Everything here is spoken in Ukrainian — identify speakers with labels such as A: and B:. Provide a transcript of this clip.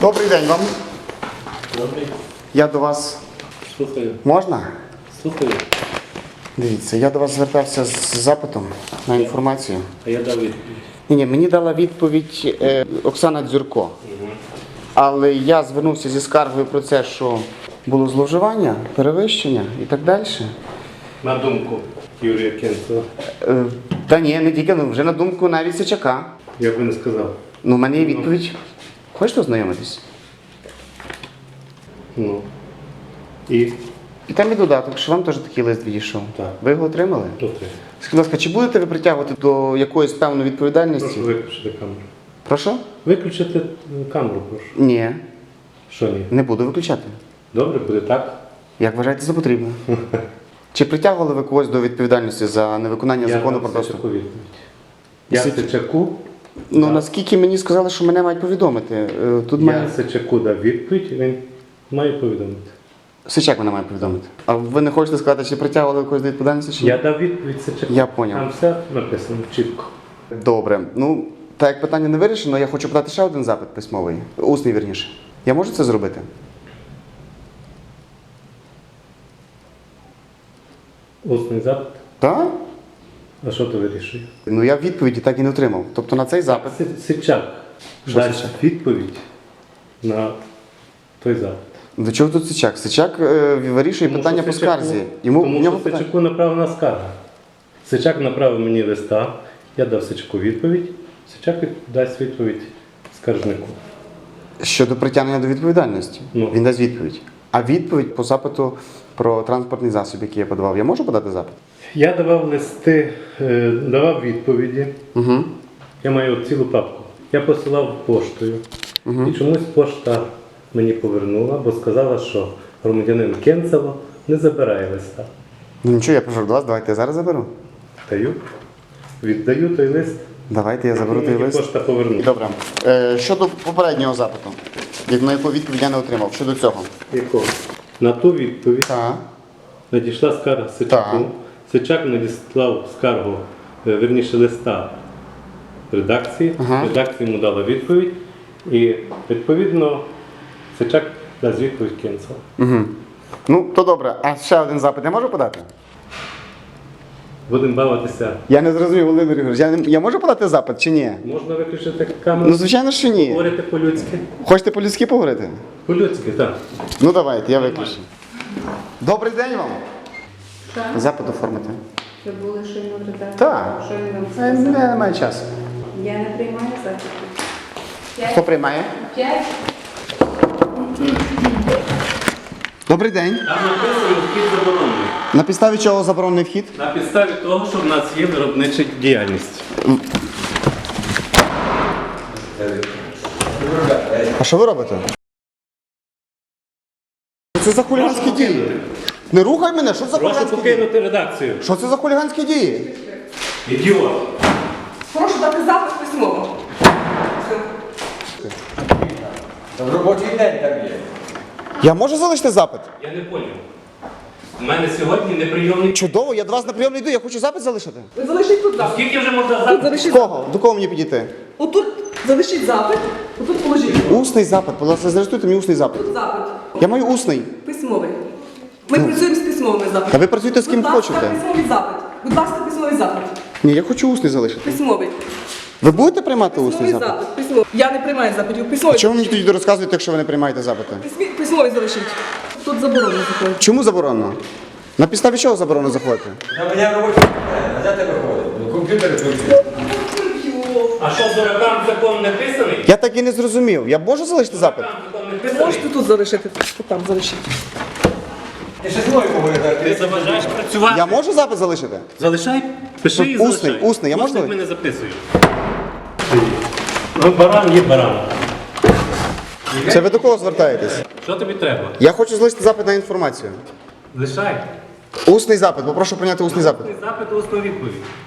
A: Добрий день вам.
B: Добрий.
A: Я до вас.
B: Слухаю.
A: Можна?
B: Слухаю.
A: Дивіться, я до вас звертався з запитом на інформацію.
B: А я дав відповідь.
A: Ні, мені дала відповідь Оксана Дзюрко. Але я звернувся зі скаргою про це, що було зловживання, перевищення і так далі.
B: На думку Юрія Кенцева.
A: Та ні, не тільки, вже на думку навіть Сичака.
B: Я б не сказав.
A: Ну, в мене є відповідь. Хочете ознайомитись?
B: Ну. І?
A: І там є додаток, що вам теж такий лист відійшов.
B: Так.
A: Ви його отримали?
B: Окей.
A: Скажіть, будь ласка, чи будете ви притягувати до якоїсь певної відповідальності?
B: Прошу виключити камеру.
A: Прошу?
B: Виключити камеру, прошу.
A: Ні,
B: Що ні?
A: не буду виключати.
B: Добре, буде так.
A: Як вважаєте за потрібно? Чи притягували ви когось до відповідальності за невиконання закону про
B: дав
A: доступ?
B: Сичаку відповідь. Я Сичаку.
A: Ну,
B: Так.
A: наскільки мені сказали, що мене мають повідомити. Тут
B: Я
A: має...
B: Сичаку дав відповідь, він має повідомити.
A: Сичак мене має повідомити. А ви не хочете сказати, чи притягували ви когось до відповідальності, чи ні?
B: Я дав відповідь Сичаку.
A: Я поняв.
B: Там все написано чітко.
A: Добре. Ну, так як питання не вирішено, я хочу подати ще один запит письмовий. Усний, вірніше. Я можу це зробити?
B: Усний запит.
A: Так?
B: А що ти вирішуєш?
A: Ну, я відповіді так і не отримав. Тобто на цей запит...
B: Сичак
A: Що
B: дасть
A: Сичак?
B: відповідь на той запит.
A: До чого тут Сичак? Сичак вирішує
B: Тому
A: питання
B: що
A: по
B: Сичаку-
A: скарзі. Йому в
B: Тому
A: нього
B: що
A: питання.
B: Сичаку направлена скарга. Сичак направив мені листа, я дав Сичаку відповідь, Сичак дасть відповідь скаржнику.
A: Щодо притягнення до відповідальності.
B: Ну.
A: Він дасть відповідь. А відповідь по запиту про транспортний засіб, який я подавав, я можу подати запит?
B: Я давав листи, давав відповіді.
A: Угу.
B: Я маю цілу папку. Я посилав поштою. І чомусь пошта мені повернула, бо сказала, що громадянин Кенцево не забирає листа.
A: Ну нічого, я прийшов до вас, давайте я зараз заберу.
B: Даю. Віддаю той лист.
A: Давайте я заберу той
B: Мені
A: лист.
B: пошта повернула.
A: Добре. Щодо попереднього запиту, на яку відповідь я не отримав. Щодо цього.
B: Якого? На ту відповідь
A: Так.
B: надійшла скарга Сичаку.
A: Так.
B: Сичак надіслав скаргу, верніше листа редакції.
A: Ага.
B: Редакція йому дала відповідь. І відповідно Сичак дасть відповідь Кенцева.
A: Угу. Ну, то добре. А ще один запит я можу подати?
B: Будемо бавитися.
A: Я не зрозумів, Володимир Ігорович. Я можу подати запит чи ні?
B: Можна виключити камеру?
A: Ну, звичайно, що ні.
B: Говорити по-людськи?
A: Хочете по-людськи поговорити?
B: По-людськи, так.
A: Ну, давайте, я виключу. Добрий день вам.
C: Що?
A: Запит оформити.
C: Ви були щойно в редакції?
A: Так.
C: Що він вам сказав?
A: Немає часу.
C: Я не приймаю запитів.
A: Хто приймає?
C: 5.
A: Добрий день.
B: Там написано вхід заборонений.
A: На підставі чого заборонений вхід?
B: На підставі того, що в нас є виробнича діяльність.
A: А що ви робите? Що це за хуліганські дії? Не рухай мене, що це за
B: Прошу
A: хуліганські дії?
B: покинути редакцію.
A: Що це за хуліганські дії?
B: Ідіот.
D: Прошу дати запис письмово.
E: В робочий день там є.
A: Я можу залишити запит?
B: Я не поняв. У мене сьогодні неприйомний.
A: Чудово, я до вас на прийом не йду, я хочу запит залишити.
D: Ви залишіть тут запит.
B: Скільки вже можна
D: Тут
B: запит?
D: залишіть
A: До
D: запит.
A: кого? До кого мені підійти?
D: Отут залишіть запит, отут положіть.
A: Усний запит, будь ласка, зрештуйте мені усний запит.
D: Тут запит.
A: Я маю усний.
D: Письмовий. Ми працюємо з письмовими запитами.
A: Та ви працюєте з ким
D: Будь ласка,
A: хочете.
D: письмовий запит. Будь ласка, письмовий запит.
A: Ні, я хочу усний залишити.
D: Письмовий.
A: Ви будете приймати усний
D: Письмовий
A: запит?
D: запит. Письмовий. Я не приймаю запитів. Письмовий.
A: Чому ви мені тоді розказуєте, якщо ви не приймаєте запити?
D: Письмовий залишіть. Тут заборонено заходити.
A: Чому заборонено? На підставі чого заборонено заходити?
E: На мене робочий день, а де тебе ходить? Ну, комп'ютери включені.
B: А що, дуракам закон не писаний?
A: Я так і не зрозумів. Я можу залишити запит?
B: Дуракам закон не писаний?
D: Можете тут залишити. Там залишіть.
E: Ти ще знову поговорити.
B: Ти заважаєш працювати?
A: Я можу запит залишити?
B: Залишай, пиши і
A: Усний,
B: залишай.
A: усний, я можу
B: Усний
A: залишити?
B: мене записую. Ну, баран є баран.
A: Це ви до кого звертаєтесь?
B: Що тобі треба?
A: Я хочу залишити запит на інформацію.
B: Лишай.
A: Усний запит, попрошу прийняти усний запит.
B: Запит, усну відповідь.